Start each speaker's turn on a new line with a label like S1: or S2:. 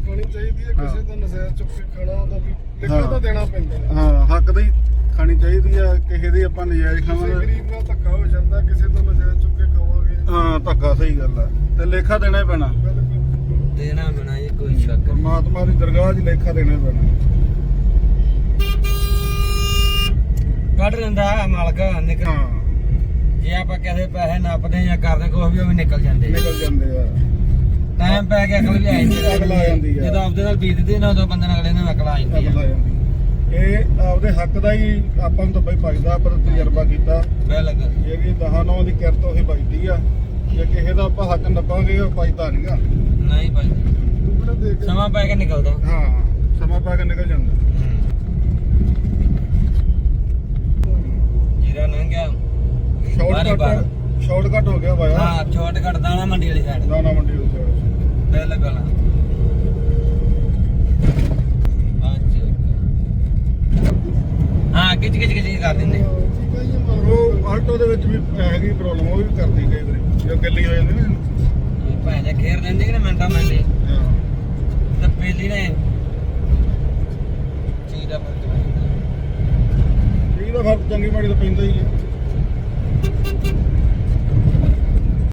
S1: ਖਾਣੀ ਚਾਹੀਦੀ ਹੈ ਕਿਸੇ ਦਾ ਨਜ਼ਾਇਜ਼ ਚੁੱਕ ਕੇ ਖਾਣਾ ਉਹਦਾ ਵੀ ਲਿਖਾ ਤਾਂ ਦੇਣਾ ਪੈਂਦਾ
S2: ਹਾਂ ਹੱਕ ਦੀ ਖਾਣੀ ਚਾਹੀਦੀ ਆ ਕਿਸੇ ਦੀ ਆਪਾਂ ਨਜਾਇਜ਼ ਖਾਵਾਂਗੇ
S1: ਗਰੀਬ ਨਾਲ ਧੱਕਾ ਹੋ ਜਾਂਦਾ ਕਿਸੇ ਤੋਂ ਨਜ਼ਾਇਜ਼ ਚੁੱਕ ਕੇ ਖਾਵਾਂਗੇ
S2: ਹਾਂ ਧੱਕਾ ਸਹੀ ਗੱਲ ਆ ਤੇ ਲੇਖਾ ਦੇਣਾ ਹੀ ਪੈਣਾ
S3: ਦੇਣਾ ਪੈਣਾ ਜੀ ਕੋਈ ਸ਼ੱਕ ਨਹੀਂ।
S2: ਪਰਮਾਤਮਾ ਦੀ ਦਰਗਾਹ 'ਚ ਲੇਖਾ ਦੇਣਾ ਹੀ ਪੈਣਾ
S3: ਕੱਢ ਲੈਂਦਾ ਮਾਲਕ ਨਿਕਲ
S2: ਹਾਂ
S3: ਜੇ ਆਪਾਂ ਕਿਸੇ ਪੈਸੇ ਨੱਪਦੇ ਜਾਂ ਕਰਦੇ ਕੁਛ ਵੀ ਉਹ ਵੀ ਨਿਕਲ ਜਾਂਦੇ
S2: ਨਿਕਲ ਜਾਂਦੇ ਆ
S3: ਟਾਈਮ ਪੈ ਕੇ ਅਕਲ ਵੀ ਆ ਜਾਂਦੀ
S2: ਅਕਲ ਆ ਜਾਂਦੀ ਆ।
S3: ਜਦੋਂ ਆਪਦੇ ਨਾਲ ਬੀਤਦੀ ਨਾ ਉਦੋਂ ਬੰਦੇ ਨਾਲ ਅਗਲੇ ਨਾਲ ਅਕਲ ਆ ਜਾਂਦੀ
S2: ਅਕਲ
S3: ਆ
S2: ਆ ਜਾਂਦੀ ਇਹ ਆਪਦੇ ਹੱਕ ਦਾ ਹੀ ਆਪਾਂ ਨੂੰ ਤਾਂ ਬਈ ਭਜਦਾ ਪਰ ਤਜਰਬਾ ਕੀਤਾ
S3: ਬਿਲਕੁਲ
S2: ਇਹ ਵੀ 10-9 ਦੀ ਕਿਰਤ ਉਹੀ ਭਜਦੀ ਆ ਜੇ ਕਿਸੇ ਦਾ ਆਪਾਂ ਹੱਕ ਨੱਪਾਂਗੇ ਉਹ ਭਜਦਾ ਨਹੀਂਗਾ
S3: ਨਹੀਂ ਭਾਈ
S1: ਟੁਕੜਾ ਦੇ ਕੇ
S3: ਸਮਾਂ ਪੈ ਕੇ ਨਿਕਲਦਾ
S2: ਹਾਂ ਸਮਾਂ ਪਾ ਕੇ ਨਿਕਲ ਜਾਂਦਾ
S3: ਜੀਰਾ ਲੰਘ ਗਿਆ
S2: ਸ਼ਾਰਟਕਟ ਹੋ ਗਿਆ ਭਾਇਆ
S3: ਹਾਂ ਸ਼ਾਰਟਕਟ ਦਾਣਾ ਮੰਡੀ ਵਾਲੀ ਸਾਈਡ
S2: ਦਾਣਾ ਮੰਡੀ ਦੇ ਸਾਈਡ
S3: ਬਿਲਕੁਲ ਹਾਂ ਕਿਚ ਕਰ ਦਿੰਦੇ
S2: ਉਹ ਆਲਟੋ ਦੇ ਵਿੱਚ ਵੀ ਹੈਗੀ ਪ੍ਰੋਬਲਮ ਉਹ ਵੀ ਕਰਦੀ ਕਈ ਵਾਰੀ ਜੋ ਗੱਲੀ ਹੋ ਜਾਂਦੀ ਨਾ
S3: ਭਾਂ ਜੇ ਘੇਰ ਲੈਂਦੇ ਕਿ ਨਾ ਮਿੰਟਾਂ ਮਿੰਟੇ
S2: ਹਾਂ
S3: ਤਾਂ ਪਹਿਲੀ ਨੇ ਚੀਜ਼ ਦਾ ਫਰਕ ਪੈਂਦਾ
S2: ਇਹਦਾ ਫਰਕ ਚੰਗੀ ਮਾੜੀ ਤਾਂ ਪੈਂਦਾ ਹੀ ਹੈ